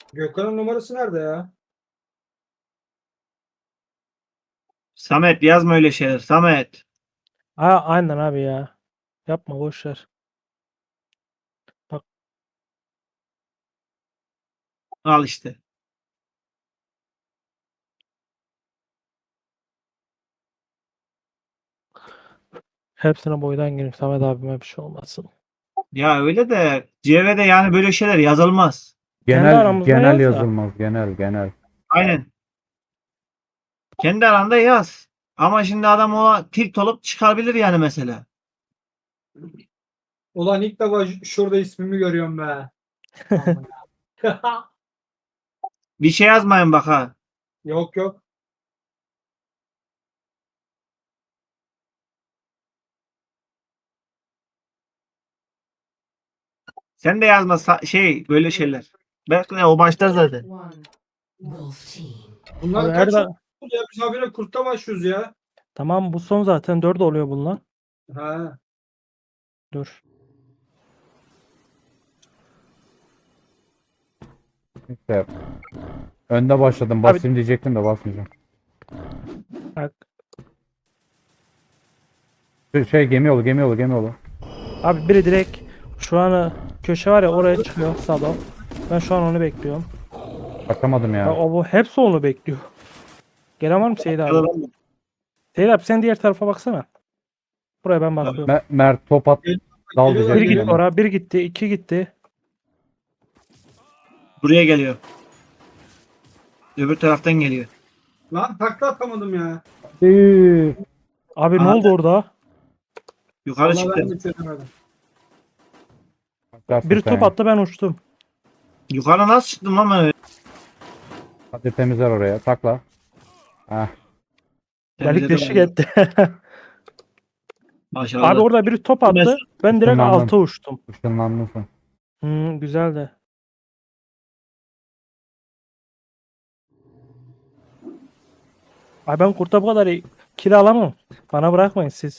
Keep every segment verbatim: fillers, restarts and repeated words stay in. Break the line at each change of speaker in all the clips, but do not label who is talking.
Gökhan'ın numarası nerede ya?
Samet yazma öyle şeyler. Samet.
Aa, aynen abi ya. Yapma boş ver.
Al işte.
Hepsine boydan gireyim. Samet abime bir şey olmasın.
Ya öyle de C V'de yani böyle şeyler yazılmaz.
Kendi
Genel
aramızda
genel
yaz da.
yazılmaz. Genel genel.
Aynen. Kendi aranda yaz. Ama şimdi adam o tilt olup çıkabilir yani mesela.
Ulan ilk defa ş- şurada ismimi görüyorum be. Aman.
Bir şey yazmayın bak ha.
Yok yok.
Sen de yazma sa- şey böyle şeyler. Belki de o başlar zaten.
One. Wolf team.
Bunlar
Abi
kaç
her
oldu ya? Biz habire kurtta başlıyoruz ya.
Tamam, bu son zaten dört oluyor bunlar.
Ha.
Dur.
İşte önde başladım. Basayım diyecektim de basmayacağım.
Bak.
Şey, şey gemi yolu gemi yolu gemi yolu.
Abi biri direkt şu an köşe var ya, oraya çıkıyor Sado. Ben şu an onu bekliyorum.
Bakamadım
Ya,
ya.
o bu hepsi onu bekliyor. Gelen var mı Seyit abi? Seyit abi sen diğer tarafa baksana. Buraya ben bakıyorum.
Me- Mert top at. Dal
Geliyorlar,
Bir
diyecektim
gitti
geliyorlar.
ona.
oraya, bir gitti, iki gitti.
Buraya geliyor. Öbür taraftan geliyor.
Lan takla atamadım ya.
Üü.
Abi ne
Aha.
oldu orada?
Yukarı
Vallahi
çıktı.
ben de çözemedim.
Bakarsın
Biri
sen
top
ya.
attı, ben uçtum.
Yukarı nasıl çıktım lan ben öyle?
Hadi temizler oraya. Takla. Heh.
Delik
Temizledim
deşik
onu.
etti.
Maşallah.
Abi orada biri top attı. Ben direkt
Işınlandım.
alta uçtum.
Işınlandın sen.
Hmm, güzeldi. Ay ben kurta bu kadar kill alamam. Bana bırakmayın siz.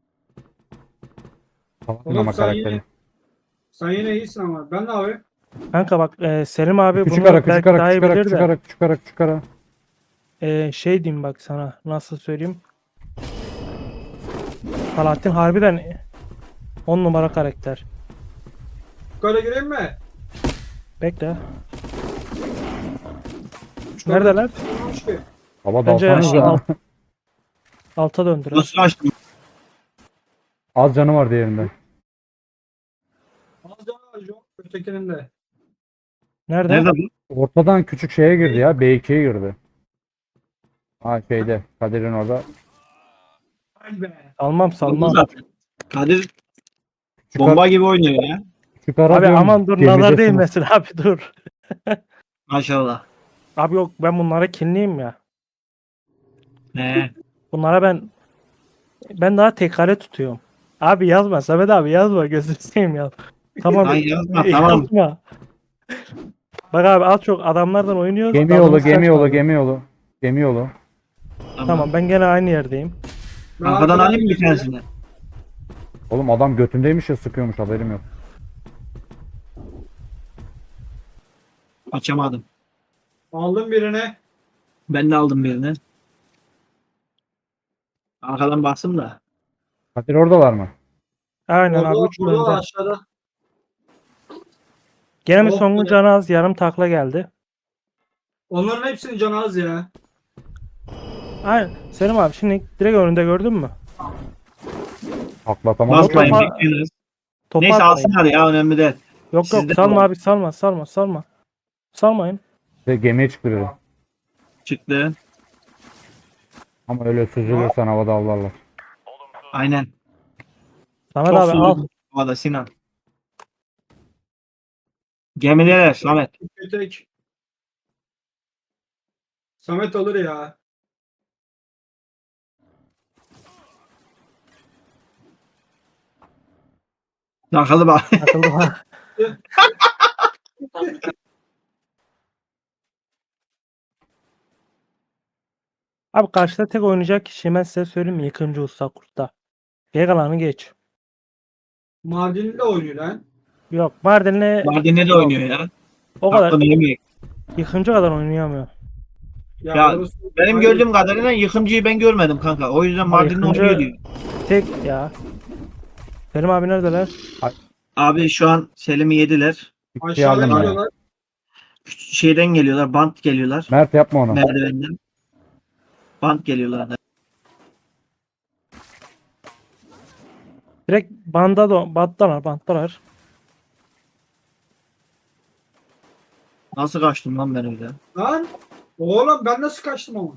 Kapattın
Oğlum
ama
sen
karakteri.
yine, sen yine iyisin ama. Ben ne abi?
Kanka bak, e, Selim abi
Küçük
bunu
ara küçük
belki
ara
daha iyi
küçük ara
bilir
küçük
de.
ara küçük ara küçük ara.
E, şey diyeyim bak sana. Nasıl söyleyeyim? Alaaddin harbiden on numara karakter.
Yukarı gireyim mi?
Bekle.
Şu
Neredeler?
kadar çıkmamış ki.
Baba
Bence
dalsanız
aşağı-
ya.
Alta döndüler.
Nasıl açtım?
Az canı var diğerinde.
Az daha yok. Ötekinin de.
Nerede?
Nerede bu?
Ortadan küçük şeye girdi ya. B ikiye girdi. Ha şeyde. Kadir'in orada.
Ay be.
Salmam
Oldu
salmam.
zaten. Kadir
Küçük,
bomba
ara,
gibi oynuyor ya.
küçük ara
Abi
diyorum,
aman dur,
gemidesiniz.
nazar değmesin abi, dur.
Maşallah.
Abi yok, ben bunlara kinliyim ya.
He.
Bunlara ben ben daha tekare tutuyorum. Abi yazma Samet abi, yazma, gözünü seveyim ya. Tamam.
Lan yazma, tamam.
Yazma. Bak abi, az çok adamlardan oynuyoruz.
Gemi yolu
tadımız
gemi yolu
kaçmadı.
gemi yolu. Gemi yolu.
Tamam, ben gene aynı yerdeyim.
Ben
Arkadan
arkadan
alayım mı bir
geliyorum.
tanesini?
Oğlum adam götündeymiş ya, sıkıyormuş, haberim yok.
Açamadım.
Aldım birini.
Ben de aldım birini. Arkadan bastım da.
Kadir oradalar mı?
Aynen
Orada,
abi, üç
orada
bölümde.
aşağıda.
Gene bir
Oh
songun
be.
canı az, yarım takla geldi.
Onların hepsinin canı az ya.
Aynen. Selim abi şimdi direkt önünde, gördün mü?
Atlatamadım.
Basmayın
topa-
bekliyoruz.
Topu
Neyse
atmayın.
alsın hadi ya, önemli değil.
Yok
Sizde
yok, salma
var.
abi, salma salma salma. Salmayın.
Ve gemiye çıktı biri.
Çıktı.
Ama öyle süzülürsen havada avlarlar.
Aynen.
Samet
Çok
abi al.
sürdü. Havada Sinan. Gemideler Samet.
Tek. Samet alır ya.
Takılı bak.
Takıldı bak. Abi karşıda tek oynayacak kişi, ben size söyleyeyim mi? Yıkımcı Usta Kurt'ta. Geri kalanı geç.
Mardin'de oynuyor lan.
Yok, Mardin'le
Mardin'de de oynuyor ya.
o kadar
Hakkını yemeyek.
Yıkıncı kadar oynayamıyor.
Ya,
Ya,
orası-
Benim
Hayır.
gördüğüm kadarıyla yıkımcıyı ben görmedim kanka. O yüzden
Ama
Mardin'e
yıkımcı-
oynuyor diyor.
Tek ya. Selim abi neredeler?
Abi şu an Selim'i yediler.
Bir şey
Aşağıya
aldım ben.
geliyorlar.
Şeyden geliyorlar. Bant geliyorlar.
Mert yapma onu.
Merdivenden. Bant geliyorlar.
Direkt banda da banttalar banttalar.
Nasıl kaçtım lan ben öyle?
Lan oğlum ben nasıl kaçtım ama?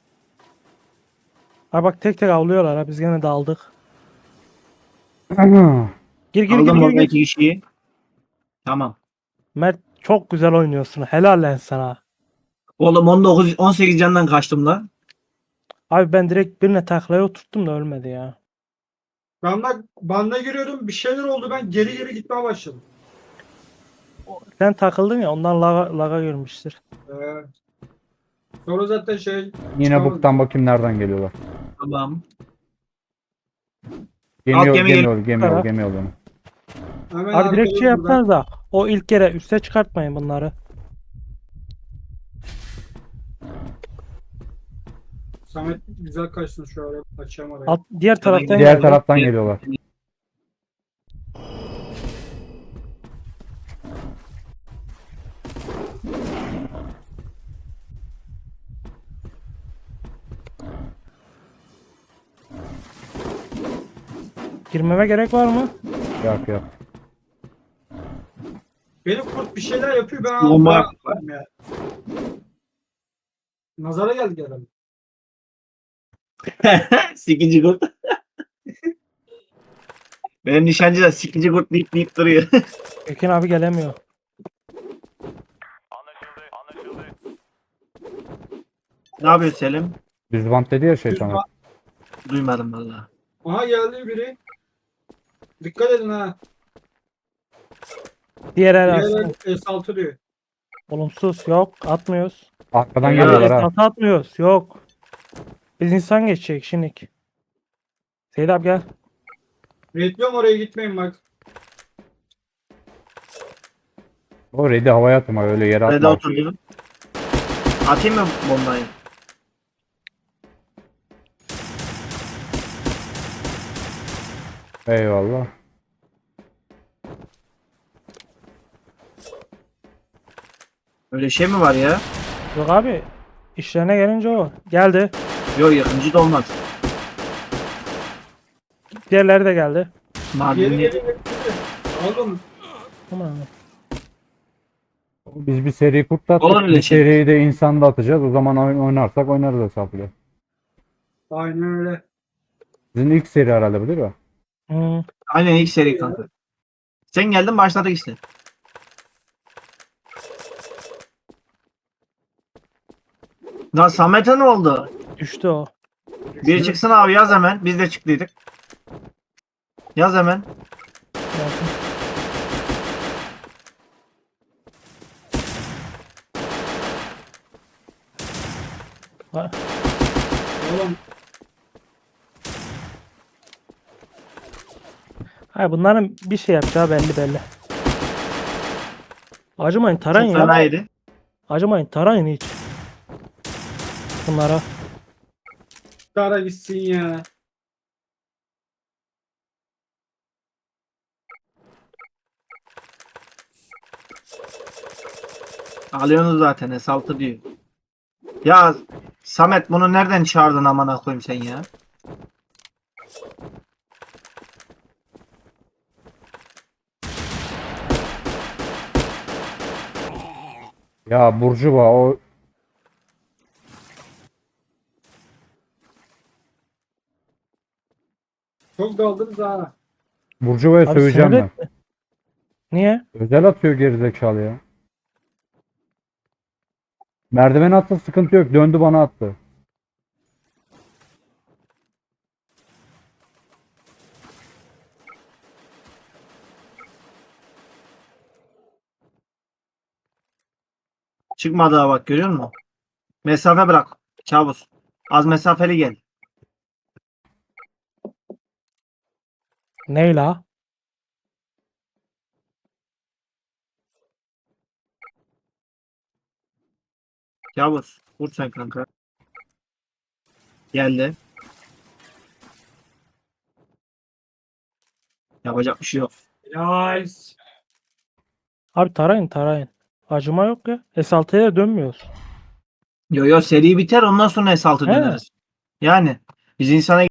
Ha bak tek tek avlıyorlar ha biz gene daldık. Gir gir
Aldım
gir gir.
orada
gir.
iki kişiyi. Tamam.
Mert çok güzel oynuyorsun. Helal lan sana.
Oğlum on dokuz on sekiz candan kaçtım lan.
Abi ben direkt birine taklaya oturttum da ölmedi ya.
Ben bak banda giriyordum bir şeyler oldu ben geri geri gitmeye başladım.
Sen takıldın ya ondan laga, laga girmiştir.
Ee, sonra zaten şey
Yine
çıkamadım.
buktan bakayım nereden geliyorlar.
Tamam.
Gemi
Alt
yol,
gemi
gemi
geliyor.
yol, gemi yol,
Taraf.
gemi yol. benim.
Hemen
Abi direkt şey
arkalıyoruz buradan.
yapsanız da o ilk kere üste çıkartmayın bunları.
Samet güzel kaçtın şu ara açacağım arayı.
Alt, diğer taraftan
Diğer
geldi.
taraftan geliyorlar.
Girmeme gerek var mı?
Yok yok.
Benim kurt bir şeyler yapıyor ben
Bomba
anlamadım ya. Nazara geldik herhalde.
Sikici kurt. Benim nişancı da sikici kurt deyip deyip duruyor.
Ekin abi gelemiyor.
Ne yapıyor Selim?
Düz bant dedi ya şey sana.
Duymadım valla.
Aha geldi biri. Dikkat edin ha.
Diğer el
Diğer
aslında.
el S altı diyor.
Olumsuz yok atmıyoruz.
Arkadan
Ya,
geliyorlar
Evet,
ha.
hata atmıyoruz yok. Biz insan geçecek şimdilik. Seyit abi gel.
Bekliyorum oraya gitmeyin bak.
O ready havaya atma öyle yere
Nerede
atma.
oturdu? Atayım mı bombayı?
Eyvallah.
Öyle şey mi var ya?
Yok abi. İşlerine gelince o. Geldi.
Yok yakıncı da olmaz.
Diğerleri de geldi.
Geri
Mardinli.
geri geri. Aldım.
Aman.
Biz bir seri kurtlattık.
Olur öyle
Bir
şey.
seriyi de insanda atacağız. O zaman oyun oynarsak oynarız hesaplı.
Aynen öyle.
Sizin ilk seri herhalde bu değil mi?
Hmm.
Aynen ilk seri kanka. Sen geldin başladık işte. Lan Samet'e ne oldu?
Düştü o.
Biri çıksın abi yaz hemen. Biz de çıktıydık. Yaz hemen.
Gelsin. Ha,
Oğlum
hayır, bunların bir şey yapacağı belli belli. Acımayın tarayın
Çok
ya.
fenaydı.
Acımayın tarayın hiç. Bunlara.
Kara gitsin ya.
Alıyorsunuz zaten S altı diyor. Ya Samet bunu nereden çağırdın amına koyayım sen ya?
Ya Burcuva o
Çok daldınız ha.
Burcuva'ya
Abi
söveceğim
sinir
ben.
etme. Niye?
Özel atıyor gerizekalı ya. Merdiven attı sıkıntı yok. Döndü bana attı.
Çıkmadı ha bak görüyor musun? Mesafe bırak. Kabus. Az mesafeli gel.
Ney la?
Yavuz. Vur sen kanka. Geldi. Yapacak bir şey yok.
Nice.
Abi tarayın tarayın. Acıma yok ya. S altıya da dönmüyoruz.
Yo yo seri biter ondan sonra S altı
He.
döneriz. Yani biz insana